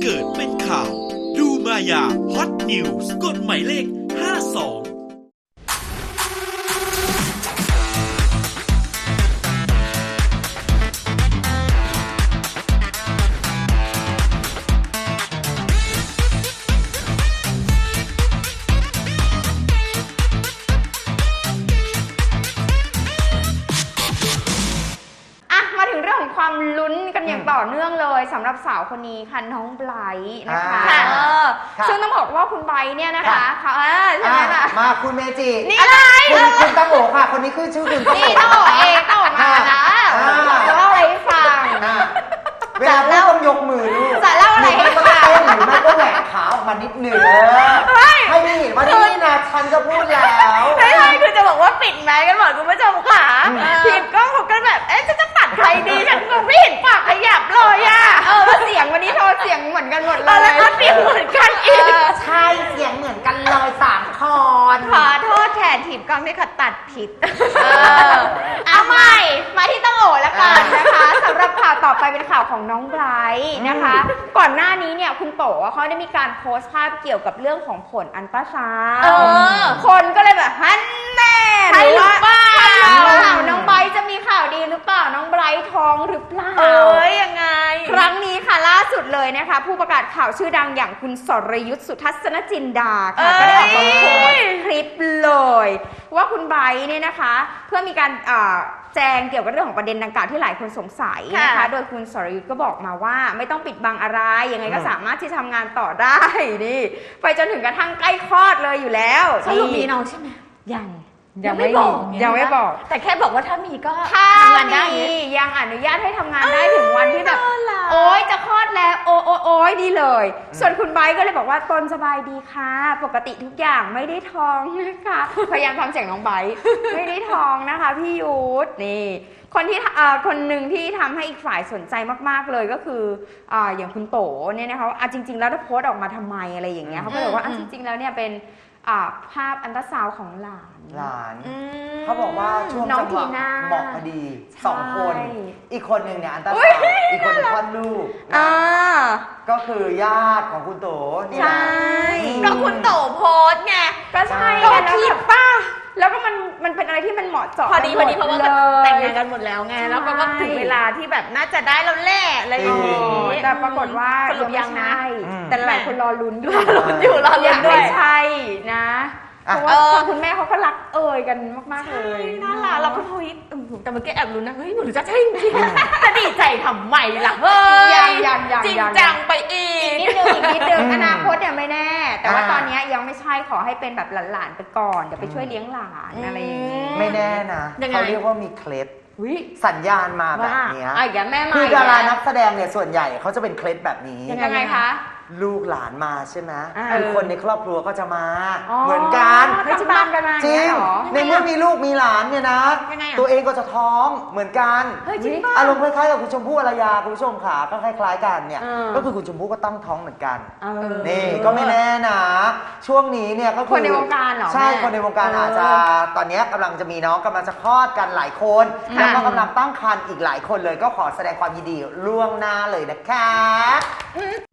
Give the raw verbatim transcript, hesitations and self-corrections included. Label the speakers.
Speaker 1: เกิดเป็นข่าวดูมายาฮอตนิวส์กดหมายเลขห้าสอง
Speaker 2: ความลุ้นกันอย่างต่อเนื่องเลยสำหรับสาวคนนี้ค่ะน้องไบรท์นะคะเออซึ่งต้องบอกว่าคุณไบรท์เนี่ยนะคะเขาใช่ไหมล่ะ
Speaker 3: มาคุณเมจิ
Speaker 2: นี่อะไร
Speaker 3: คุณคุณตั้งโอค่ะคนนี้คือชื่อคุณตั้งโอ
Speaker 2: นี่ตั้งโอเองตั้งโอมานะจะเล่าอะไรให้ฟัง
Speaker 3: เวลาเล่าต้องยกมือลูก
Speaker 2: จะเล่าอะไรให้ฟัง
Speaker 3: หรือไม่ก็แหวกขาออกมานิดหนึ่งให้ไม่เห็นว่านี่นะฉันก็พูดแล้ว
Speaker 2: ไม่ใช่คือจะบอกว่าปิดแมสกันหมดคุณผู้ชมค่ะทีมกล้องเขาก็แบบเอ๊ะจะจะตัดใครดีฉันก็ไม่เห็นปากขยับเลยอ่ะเออเสียงวันนี้โทรเสียงเหมือนกันหมดเลยแล้วก็เสียงเหมือนกันอีก
Speaker 3: ใช่เสียงเหมือนกันเลยสามคอน
Speaker 2: ขอโทษแทนทีมกล้องที่เขาตัดผิดเอาใหม่มาที่ตั้งโอแล้วกันนะคะสำหรับข่าวต่อไปเป็นข่าวของน้องไบรท์นะคะก่อนหน้านี้เนี่ยคุณโตเขาได้มีการโพสต์ภาพเกี่ยวกับเรื่องของผลอัลตราซาวด์คนก็เลยแบบฮันแน่
Speaker 3: ใช่หรือเปล่า
Speaker 2: น้องไบรท์จะมีข่าวดีหรือเปล่าน้องไบรท์ท้องหรือเปล่า
Speaker 3: เอ้ยยังไง
Speaker 2: ครั้งนี้ค่ะล่าสุดเลยนะคะผู้ประกาศข่าวชื่อดังอย่างคุณสรยุทธสุทัศนจินดาค่ะก็ได้ออกมาโพสต์คลิปเลยว่าคุณไบรท์เนี่ยนะคะเพื่อมีการแจ้งเกี่ยวกับเรื่องของประเด็นดังกล่าวที่หลายคนสงสัยนะคะโดยคุณสรยุทธก็บอกมาว่าไม่ต้องปิดบังอะไรยังไงก็สามารถที่ทำงานต่อได้นี่ไปจนถึงกระทั่งใกล้คลอดเลยอยู่แล้ว
Speaker 4: สรุปมีน้องใช่ไหม
Speaker 2: ยังยังไม่บอกยังไม่บอก
Speaker 4: แต่แค่บอกว่าถ้ามีก็
Speaker 2: ทำงานได้ยังอนุญาตให้ทำงานได้ถึงวันที่แบบโอ๊ยจะคลอดแล้วโอ้โอ้โอ๊ยดีเลยส่วนคุณไบรท์ก็เลยบอกว่าตนสบายดีค่ะปกติทุกอย่างไม่ได้ท้องนะคะพยายามทำเสียงน้องไบรท์ไม่ได้ท้องนะคะพี่ยุทธนี่คนที่คนหนึ่งที่ทำให้อีกฝ่ายสนใจมากๆเลยก็คืออย่างคุณโตเนี่ยนะคะว่าจริงๆแล้วถ้าโพสต์ออกมาทำไมอะไรอย่างเงี้ยเขาก็เลยว่าจริงๆแล้วเนี่ยเป็นภาพอัลตราซาวด์ของหลาน
Speaker 3: หลานเขาบอกว่าช่วงจังหวะเหมาะพอดีสองคนอีกคนหนึ่งเนี่ยอัลตราซาวด์อีกคนคลอดลูกก็คือญาติของคุณโตนี่
Speaker 2: ใช่
Speaker 4: ก็คุณโตโพสไง
Speaker 2: ก็ใช่
Speaker 4: ก็ผิดป่ะ
Speaker 2: แล้วก็มันมันเป็นอะไรที่มันเหมาะเจาะ
Speaker 4: พอดีพอดีเพราะว่าแต่งงานกันหมดแล้วไงแล้วก็ถึงเวลาที่แบบน่าจะได้แล้วแหละอะไรอย่างนี้
Speaker 2: แต่ปรากฏว่า
Speaker 4: สรุปยังนะ
Speaker 2: แต่หลายคนรอลุ้นอยู่
Speaker 4: รอลุ้นอยู่รอลุ้นด้วย
Speaker 2: ไม่ใช่นะเพราะว่าคุณแม่เขาก็รักเอ่ยกันมากๆเลย
Speaker 4: น่ารักเราก็เฮ้ยแต่เมื่อกี้แอบลุ้นนะเฮ้ยหนูจะใช่จริงจะดีใจทำไมล่ะเฮ้ย
Speaker 2: ยังยังยัง
Speaker 4: จริงจังไปอี
Speaker 2: กนิดนึงอีกนิดนึงอนาคตเนี่ยไม่แน่แต่ว่าตอนนี้ยังไม่ใช่ขอให้เป็นแบบหลานๆไปก่อนเดี๋ยวไปช่วยเลี้ยงหลานอะไรอย่างนี้
Speaker 3: ไม่แน่นะเขาเรียกว่ามีเคล็ดสัญญาณมาแบบนี้คือดารานักแสดงเนี่ยส่วนใหญ่เขาจะเป็นเคล็ดแบบนี้
Speaker 2: ยังไงคะ
Speaker 3: ลูกหลานมาใช่ไหมคือคนในครอบครัวก็จะมาเหมือนกัน
Speaker 2: ไม่จะตามกันมา
Speaker 3: จริงในเมื่อมีลูกมีหลานเนี่ยนะตัวเองก็จะท้องเหมือนกันอารมณ์คล้ายๆกับคุณชมพู่อารยาคุณผู้ชมขาก็คล้ายๆกันเนี่ยก็คือคุณชมพู่ก็ตั้งท้องเหมือนกันนี่ก็ไม่แน่นะช่วงนี้เนี่ยก็คือ
Speaker 2: คนในวงการเหรอ
Speaker 3: ใช่คนในวงการอาจจะตอนนี้กำลังจะมีน้องกำลังจะคลอดกันหลายคนแล้วก็กำลังตั้งครรภ์อีกหลายคนเลยก็ขอแสดงความยินดีล่วงหน้าเลยนะคะ